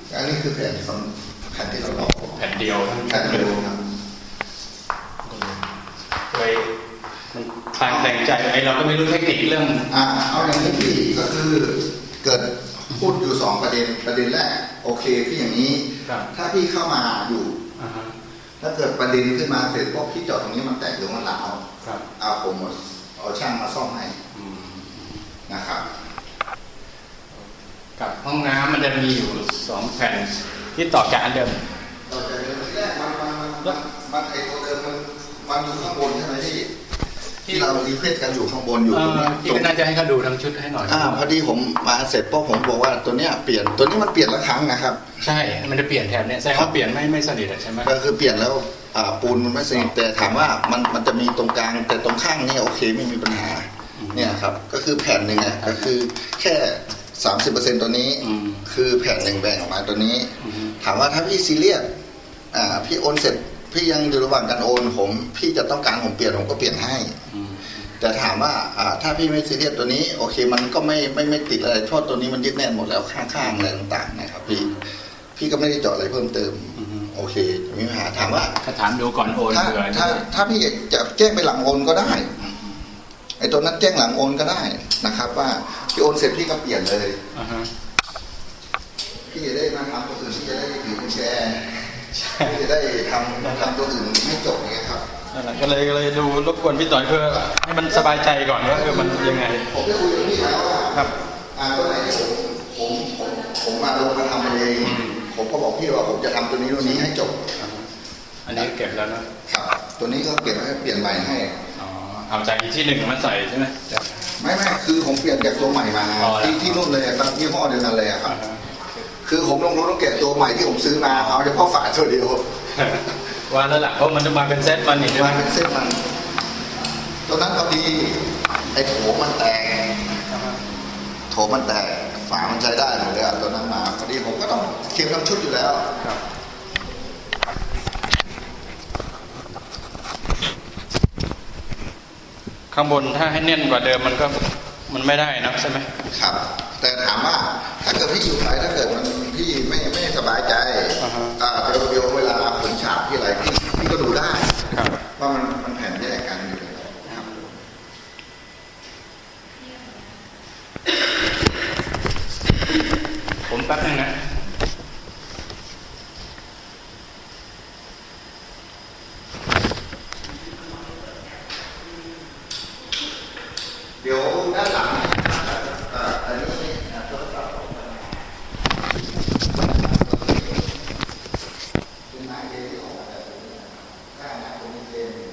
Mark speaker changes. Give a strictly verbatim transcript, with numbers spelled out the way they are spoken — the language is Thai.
Speaker 1: อันนี้คือแผ่นสองแผ่นที่เราลอก
Speaker 2: แผ่นเดียว
Speaker 1: แผ่นเดียวครับ
Speaker 2: เลยมันคลางแคลงใจไอเราก็ไม่รู้เทคนิคเรื่อง
Speaker 1: อ่าเอาอย่างนี้พี่ก็คือเกิดพูดอยู่สองประเด็นประเด็นแรกโอเคพี่อย่างนี้ถ้าพี่เข้ามาอยู่ถ้าเกิดประเด็นขึ้นมาเสร็จพวกพี่จอดตรงนี้มันแตกหรือมันหลาวเอาผมเอาช่างมาซ่อมให้นะครับ
Speaker 2: กับห้องน้ำมันจะมีอยู่สองแผ่นที่ต่อจากอันเดิม
Speaker 1: ต่อจากเดิมที่แรกมันมันมันมันไอตัวเดิมมันมันอยู่ข้างบนใช่ไหมที่ที่เรารีเควสกันอยู่ข้างบนอยู่ตรงนี้
Speaker 2: ที่น่าจะให้เขาดูทั้งชุดให้หน่อย
Speaker 1: อ่าพอดีผมมาเสร็จพวกผมบอกว่าตัวเนี้ยเปลี่ยนตัวนี้มันเปลี่ยนละครั้งนะครับ
Speaker 2: ใช่มันจะเปลี่ยนแถบเนี้ยแสดงว่าเปลี่ยนไม่ไม่สนิทใช่ไหม
Speaker 1: ก็คือเปลี่ยนแล้วอ่าปูนมันไม่สนิทแต่ถามว่ามันมันจะมีตรงกลางแต่ตรงข้างนี่โอเคไม่มีปัญหาเนี่ยครับก็คือแผ่นหนึ่งอ่ะก็คือแค่สามสิบเปอร์เซ็นต์ตัวนี้คือแผ่นหนึ่งแบ่งออกมาตัวนี้ถามว่าถ้าพี่ซีเรียสอ่าพี่โอนเสร็จพี่ยังอยู่ระหว่างการโอนผมพี่จะต้องการผมเปลี่ยนผมก็เปลี่ยนให้แต่ถามว่าอ่าถ้าพี่ไม่ซีเรียสตัวนี้โอเคมันก็ไม่ไม่ไม่ติดอะไรเพราะตัวนี้มันยึดแน่นหมดแล้วข้างๆอะไรต่างๆนะครับพี่พี่ก็ไม่ได้เจาะอะไรเพิ่มเติมโอเคมีปัญหาถามว่า
Speaker 2: ถ้าถามดูก่อนโอน
Speaker 1: ถ้าถ้าถ้าพี่จะแจ้งไปหลังโอนก็ได้ไอ้ตัวนั้นแจ้งหลังโอนก็ได้นะครับว่าพี่โอนเสร็จพี่ก็เปลี่ยนเลยพี่จะได้มาทำตัวอื่นพี่จะได้ถือกุญแจพี่จะได้ทำทำตัวอื่นให้จบไงครับ
Speaker 2: ก็เลยก็เลยดูรบกวนพี่ต่อยเพื่อให้มันสบายใจก่อนว่าเออมันยังไง
Speaker 1: ผมได้คุยกับพี่แล้วว่าครับอ่าตัวไหนที่ผมผมผมผมมาลงมาทำเองผมก็บอกพี่ว่าผมจะทำตัวนี้ตัวนี้ให้จบ
Speaker 2: อันนี้เก็บแล้วนะครับ
Speaker 1: ตัวนี้ก็เก็บให้เปลี่ยนใหม่ให้
Speaker 2: เอาจากที่หนึ่งมาใส่ใช่ไหม
Speaker 1: ไม่ไม่คือผมเปลี่ยนจากตัวใหม่มาที่ที่นู่นเลยครับยี่ห้อเดียวกันเลยครับคือผมลงรถต้องแกะตัวใหม่ที่ผมซื้อมาเอาเฉพาะฝาตัวเดียว
Speaker 2: ว่าแล้วล่ะเพราะมันจะมาเป็นเซตมันนี่
Speaker 1: มาเป็นเซตมันตัวนั้นพอดีไอ้โถมันแตกโถมันแตกฝามันใช้ได้หมดเลยตัวนั้นมาพอดีผมก็ต้องเค็มทั้งชุดอยู่แล้ว
Speaker 2: ข้างบนถ้าให้แน่นกว่าเดิมมันก็มันไม่ได้นะใช่ไหม
Speaker 1: ครับแต่ถามว่าถ้าเกิดพี่อยู่ไทยถ้าเกิดมันพี่ไม่ไม่สบายใจอ่าเดี๋ยวเดี๋ยวเวลาผลฉาบที่อะไรพี่พี่ก็ดูได้ว่ามันมันแผ่นแยกกันอยู่ครับ
Speaker 2: ผมแป๊บนึงนะ
Speaker 1: เดี๋ยวด้านหลังอันนี้โทรศัพท์เป็นไม้เกลี่ออกแบบนี้ข้างหน้าตรงนี้เป็น